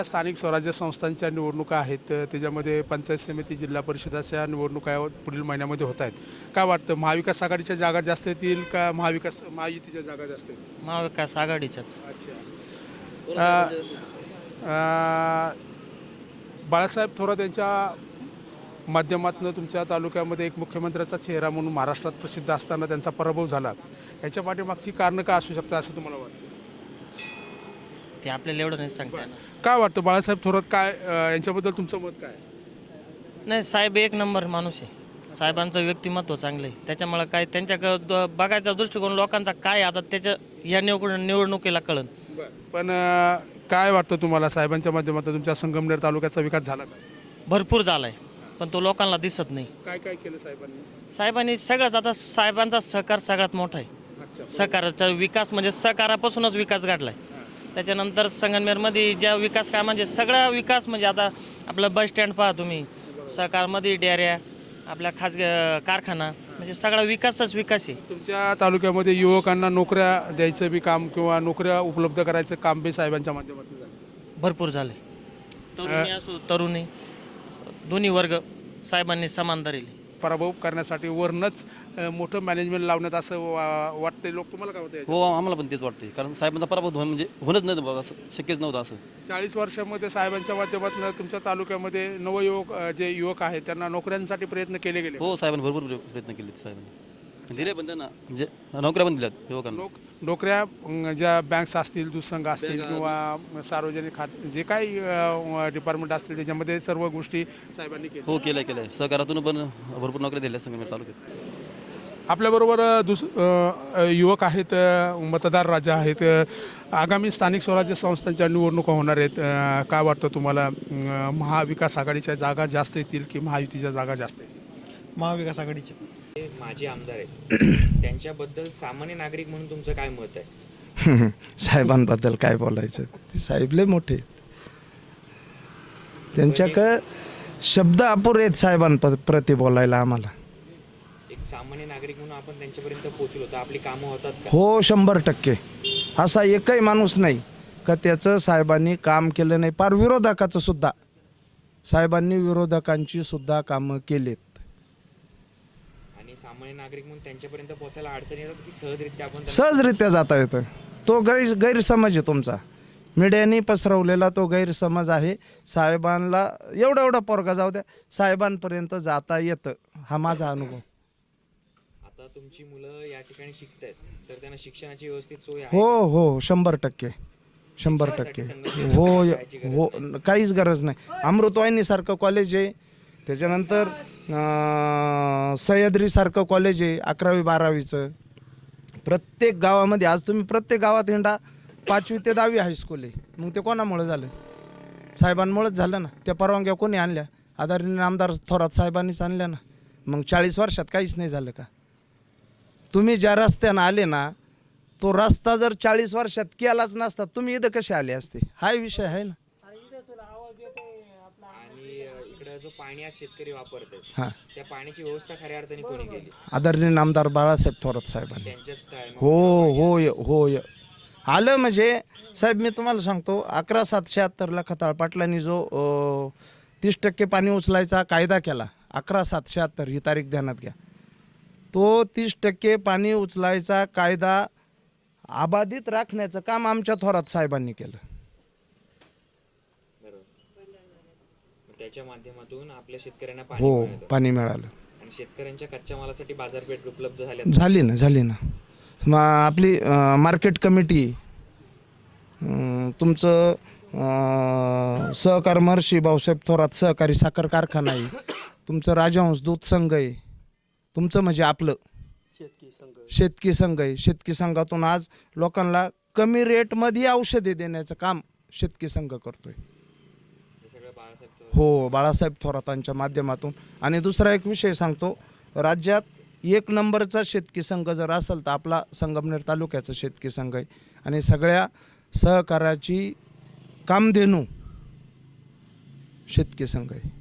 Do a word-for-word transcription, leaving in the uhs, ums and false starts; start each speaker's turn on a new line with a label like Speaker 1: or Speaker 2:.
Speaker 1: स्थानिक स्वराज्य संस्थांच्या निवडणुका आहेत, त्याच्यामध्ये पंचायत समिती, जिल्हा परिषदाच्या निवडणुका पुढील महिन्यामध्ये होत आहेत. काय वाटतं, महाविकास आघाडीच्या जागा जास्त येतील का महाविकास महायुतीच्या जागा जास्त येतील?
Speaker 2: महाविकास आघाडीच्याच.
Speaker 1: अच्छा. अ, अ, बाळासाहेब थोरात यांच्या माध्यमातून तुमच्या तालुक्यामध्ये एक मुख्यमंत्र्याचा चेहरा म्हणून महाराष्ट्रात प्रसिद्ध असताना त्यांचा पराभव झाला. याच्या पाठीमागची कारणं काय असू शकतात असं तुम्हाला वाटतं?
Speaker 2: ते आपल्याला एवढं नाही सांगता येणार.
Speaker 1: काय वाटतं बाळासाहेब थोरात, काय अ, यांच्याबद्दल तुमचं मत काय आहे?
Speaker 2: नाही, साहेब एक नंबर माणूस आहे. साहेबांचं व्यक्तिमत्व चांगलं आहे, त्याच्यामुळे काय त्यांच्या ग- द- बघायचा दृष्टिकोन लोकांचा काय आता त्याच्या या निवड निवडणुकीला कळन.
Speaker 1: पण अ, काय वाटतं तुम्हाला, साहेबांच्या माध्यमातून तुमच्या संगमनेर तालुक्याचा विकास झाला का?
Speaker 2: भरपूर झालाय, पण तो लोकांना दिसत नाही.
Speaker 1: काय काय केलं साहेबांनी?
Speaker 2: साहेबांनी सगळंच, आता साहेबांचा सहकार सगळ्यात मोठा आहे.
Speaker 1: अच्छा.
Speaker 2: सहकाराचा विकास म्हणजे सहकारापासूनच विकास घडलाय. त्याच्यानंतर संगमनेरमध्ये ज्या विकास काय म्हणजे सगळा विकास म्हणजे आता आपलं बस स्टँड पहा तुम्ही, सहकारमध्ये डेऱ्या, आपल्या खाजगी कारखाना, म्हणजे सगळा विकासच विकास आहे.
Speaker 1: तुमच्या तालुक्यामध्ये युवकांना नोकऱ्या द्यायचं बी काम किंवा नोकऱ्या उपलब्ध करायचं काम बी साहेबांच्या माध्यमातून झालं.
Speaker 2: भरपूर झाले. तरुणी असो तरुणी दोन्ही वर्ग साहेबांनी समान धरले.
Speaker 1: पराभव करण्यासाठी वरनच अ, मोठं मॅनेजमेंट लावण्यात असं वा- वाटते. लोक तुम्हाला काय वाटतं?
Speaker 3: हो, आम्हाला पण तेच वाटते, कारण साहेबांचा पराभव होणं म्हणजे होणंच नाही बघा, असं शक्यच नव्हतं. असं
Speaker 1: चाळीस वर्षामध्ये साहेबांच्या माध्यमातून तुमच्या तालुक्यामध्ये नवयुवक अ, जे युवक आहेत त्यांना नोकऱ्यांसाठी प्रयत्न केले गेले.
Speaker 3: हो, साहेबांनी भरपूर प्र- प्रयत्न केले, साहेबांनी दिले पण त्यांना म्हणजे नोकऱ्या पण दिल्यात युवकांना.
Speaker 1: नोक नोकऱ्या अं, ज्या बँक्स असतील, दूधसंघ असतील किंवा सार्वजनिक खात जे काही डिपार्टमेंट असतील त्याच्यामध्ये सर्व गोष्टी साहेबांनी केल्या.
Speaker 3: हो, केलं केलं सहकारातून पण भरपूर नोकऱ्या दिल्या संगमेश्वर तालुक्यात.
Speaker 1: आपल्याबरोबर अ, दुस अ, युवक आहेत, अ, मतदार राजा आहेत. अ, आगामी स्थानिक स्वराज्य संस्थांच्या निवडणुका होणार आहेत. अ, काय वाटतं तुम्हाला, अ, महाविकास आघाडीच्या जागा जास्त येतील की महायुतीच्या जागा जास्त येतील?
Speaker 4: महाविकास आघाडीचे.
Speaker 5: ते माजी आमदार आहेत त्यांच्याबद्दल सामान्य नागरिक म्हणून तुमचं काय मत आहे?
Speaker 4: साहेबांबद्दल काय बोलायचं, ते साहेब लय मोठे आहेत. त्यांच्याक शब्द अपुरे आहेत साहेबांप्रती बोलायला आम्हाला.
Speaker 5: एक सामान्य नागरिक म्हणून आपण त्यांच्यापर्यंत पोहोचलो तर आपली कामं होतात का?
Speaker 4: हो, शंभर टक्के. असा एकही माणूस नाही का त्याचं साहेबांनी काम केलं नाही. पार विरोधकाचं सुद्धा साहेबांनी विरोधकांची सुद्धा कामं केलेत.
Speaker 5: आणि सामान्य नागरिक म्हणून त्यांच्यापर्यंत पोहोचायला अडचणी येतात की सहजरित्या आपण त्यांना-
Speaker 4: सहजरित्या जाता येतं. तो गैर गैरसमज आहे तुमचा, मीडियाने पसरवलेला तो गैरसमज आहे. साहेबांना एवढा एवढा पोरगा जाऊ द्या, साहेबांपर्यंत जाता येतं, हा माझा अनुभव.
Speaker 5: आता तुमची मुलं या ठिकाणी शिकतायत तर त्यांना शिक्षणाची व्यवस्थित सोय आहे?
Speaker 4: हो हो, शंभर टक्के शंभर टक्के हो हो, काहीच गरज नाही. अमृतवाहिनीसारखं कॉलेज आहे, त्याच्यानंतर अं, सह्याद्रीसारखं कॉलेज आहे अकरावी बारावीचं. प्रत्येक गावामध्ये आज तुम्ही प्रत्येक गावात हिंडा, पाचवी ते दहावी हायस्कूल आहे. मग ते कोणामुळे झालं? साहेबांमुळेच झालं ना. त्या परवानग्या कोणी आणल्या? आदरणीय आमदार थोरात साहेबांनीच आणल्या ना. मग चाळीस वर्षात काहीच नाही झालं का? तुम्ही ज्या रस्त्यानं आले ना, तो रस्ता जर चाळीस वर्षात केलाच नसता, तुम्ही इथं कसे आले असते? हा विषय आहे ना.
Speaker 5: आणि अ, इकडं जो पाणी आज शेतकरी वापरतात
Speaker 4: हां,
Speaker 5: त्या पाण्याची व्यवस्था खऱ्या अर्थाने कोणी केली?
Speaker 4: आदरणीय आमदार बाळासाहेब थोरात साहेबांनी.
Speaker 5: त्यांच्याच time
Speaker 4: हो होय होय आलं. म्हणजे साहेब मी तुम्हाला सांगतो, अकरा सातशे शहात्तरला खताळ पाटलांनी जो तीस टक्के पाणी उचलायचा कायदा केला, अकरा सातशे शहात्तर ही तारीख ध्यानात घ्या. तो तीस टक्के पाणी उचलायचा कायदा अबाधित राखण्याचं काम आमच्या थोरात साहेबांनी केलं.
Speaker 5: बरोबर. मग त्याच्या माध्यमातून आपल्या शेतकऱ्यांना पाणी
Speaker 4: हो,
Speaker 5: मिळतं.
Speaker 4: पाणी मिळालं.
Speaker 5: आणि शेतकऱ्यांच्या कच्च्या मालासाठी बाजारपेठ उपलब्ध झाल्या.
Speaker 4: झाली ना झाली ना मग आपली मार्केट कमिटी, अं, तुमचं अं, सहकार महर्षी भाऊसाहेब थोरात सहकारी साखर कारखाना आहे, तुमचं राजहंस दूध संघ आहे, तुमचं म्हणजे आपलं शेतकी संघ आहे. शेतकी संघातून आज लोकांना कमी रेटमध्ये औषधे देण्याचं काम शेतकी संघ करतोय.
Speaker 5: हे सगळं बाळासाहेब
Speaker 4: हो, बाळासाहेब थोरातांच्या माध्यमातून. आणि दुसरा एक विषय सांगतो, राज्यात एक नंबरचा शेतकी संघ जर असेल तर आपला संगमनेर तालुक्याचा शेतकी संघ आहे. आणि सगळ्या सहकाराची कामधेनू शेतकी संघ आहे.